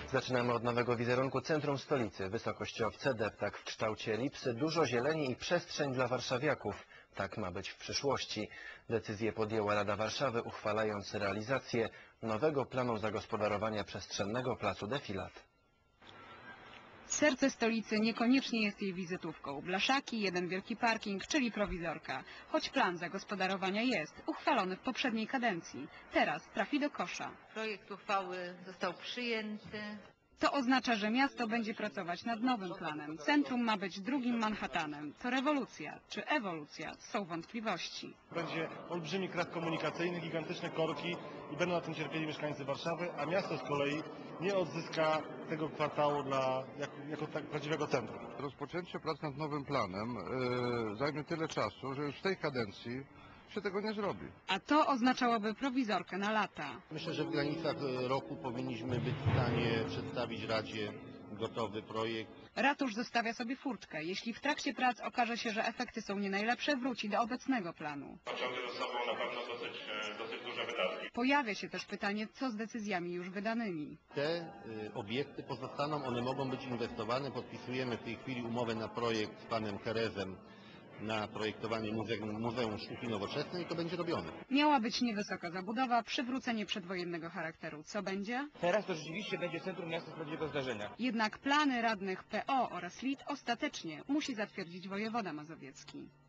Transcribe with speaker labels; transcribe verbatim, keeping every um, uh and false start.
Speaker 1: Zaczynamy od nowego wizerunku centrum stolicy. Wysokościowce, deptak w kształcie elipsy, dużo zieleni i przestrzeń dla warszawiaków. Tak ma być w przyszłości. Decyzję podjęła Rada Warszawy, uchwalając realizację nowego planu zagospodarowania przestrzennego placu Defilat.
Speaker 2: Serce stolicy niekoniecznie jest jej wizytówką. Blaszaki, jeden wielki parking, czyli prowizorka. Choć plan zagospodarowania jest uchwalony w poprzedniej kadencji. Teraz trafi do kosza.
Speaker 3: Projekt uchwały został przyjęty.
Speaker 2: To oznacza, że miasto będzie pracować nad nowym planem. Centrum ma być drugim Manhattanem. To rewolucja czy ewolucja? Są wątpliwości.
Speaker 4: Będzie olbrzymi krak komunikacyjny, gigantyczne korki i będą na tym cierpieli mieszkańcy Warszawy, a miasto z kolei nie odzyska tego kwartału dla, jako, jako tak prawdziwego centrum.
Speaker 5: Rozpoczęcie prac nad nowym planem yy, zajmie tyle czasu, że już w tej kadencji się tego nie zrobi.
Speaker 2: A to oznaczałoby prowizorkę na lata.
Speaker 6: Myślę, że w granicach roku powinniśmy być w stanie przedstawić Radzie gotowy projekt.
Speaker 2: Ratusz zostawia sobie furtkę. Jeśli w trakcie prac okaże się, że efekty są nie najlepsze, wróci do obecnego planu.
Speaker 7: Pociągnie ze sobą na pewno dosyć, dosyć duże wydatki.
Speaker 2: Pojawia się też pytanie, co z decyzjami już wydanymi.
Speaker 6: Te y, obiekty pozostaną, one mogą być inwestowane. Podpisujemy w tej chwili umowę na projekt z panem Kerezem na projektowanie muzeum, Muzeum Sztuki Nowoczesnej i to będzie robione.
Speaker 2: Miała być niewysoka zabudowa, przywrócenie przedwojennego charakteru. Co będzie?
Speaker 8: Teraz to rzeczywiście będzie centrum miasta z prawdziwego zdarzenia.
Speaker 2: Jednak plany radnych P O oraz L I T ostatecznie musi zatwierdzić wojewoda mazowiecki.